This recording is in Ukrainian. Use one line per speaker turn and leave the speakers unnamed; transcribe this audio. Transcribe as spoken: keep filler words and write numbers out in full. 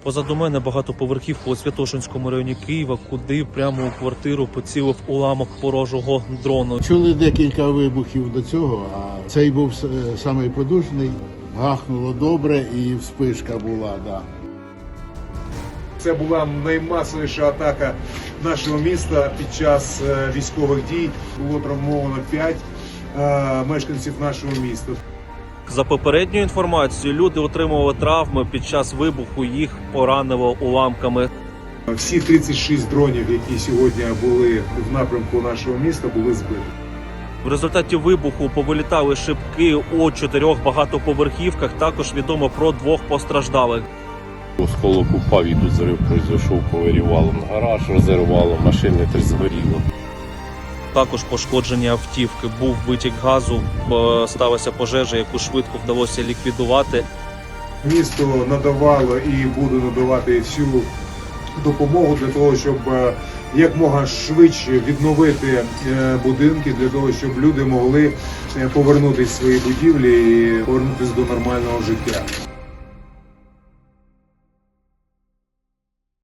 Позаду мене багатоповерхівка у Святошинському районі Києва, куди прямо у квартиру поцілив уламок ворожого дрону.
Чули декілька вибухів до цього, а цей був самий потужний. Гахнуло добре і вспишка була, да.
Це була наймасовіша атака нашого міста під час військових дій. Було травмовано п'ять мешканців нашого міста.
За попередньою інформацією, люди отримували травми під час вибуху, їх поранило уламками.
Всі тридцять шість дронів, які сьогодні були в напрямку нашого міста, були збиті.
В результаті вибуху повилітали шибки у чотирьох багатоповерхівках. Також відомо про двох постраждалих.
Осколок упав і тут зрив пройшов, повирівало на гараж, розірвало, машини теж згоріло.
Також пошкоджені автівки, був витік газу, сталася пожежа, яку швидко вдалося ліквідувати.
Місто надавало і буде надавати всю допомогу для того, щоб якмога швидше відновити будинки, для того, щоб люди могли повернутися в свої будівлі і повернутися до нормального життя.